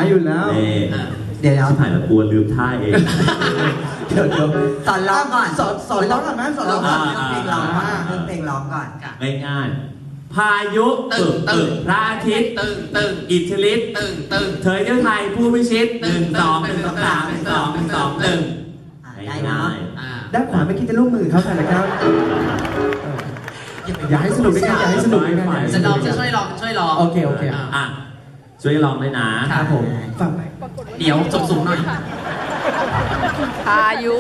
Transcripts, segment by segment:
อยู่แล้วเดี๋ยวถ่ายแล้วกลัวลืมท่าเองเดี๋ยวสอนร้องก่อนสอนร้องก่อนไหมสอนร้องก่อนเพลงร้องเพลงร้องก่อนง่ายๆพายุตึงพระอาทิตย์ตึงอิทธิฤทธิ์ตึงเธอเจ้าไทยผู้พิชิต1 2 1 2 3 1 2 1 2 1 ได้เนาะด้านขวาไม่คิดจะร่วมมือเขาค่ะนะครับอย่าให้สนุกด้วยกันอย่าให้สนุกด้วยกันจะลองจะช่วยลองโอเคช่วยลองด้วยนะครับผมฟังเดี๋ยวสูงหน่อยพายุ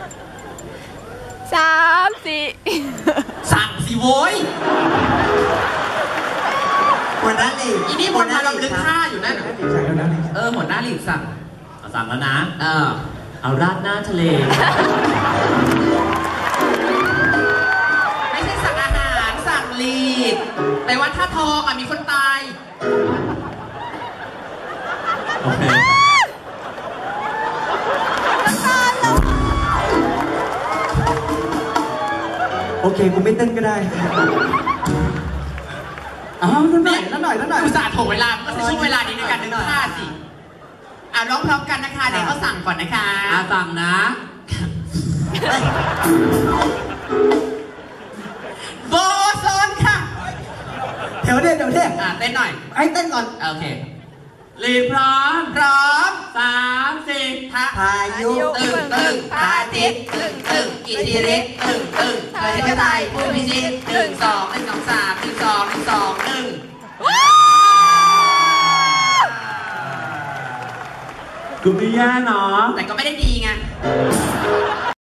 3 4 สั่งสิโว้ยหัวหน้าลีกอีนี่คนมาลำลึกท่าอยู่นั่นหัวหน้าลีกสั่งแล้วนะเอาราดหน้าทะเลไม่ใช่สั่งอาหารสั่งลีดแต่ว่าถ้าทองมีคนตายโอเคโอเคกูไม่เต้นก็ได้นั่นหน่อยอุตส่าห์ถ่วงเวลาก็จะช่วงเวลานี้ในการนึกท่าสิร้องพร้อมกันนะคะเดี๋ยวเขาสั่งก่อนนะคะสั่งนะโบโซนค่ะเดี๋ยวเต้นหน่อยให้เต้นก่อนโอเคลีพร้อม3 4 พายุตึงพระอาทิตย์ตึงอิทธิฤทธิ์ตึงเธอจะตายผู้พิชิต1 2 1 2 3 1 2 1 2 1 กูไม่แย่เนาะแต่ก็ไม่ได้ดีไง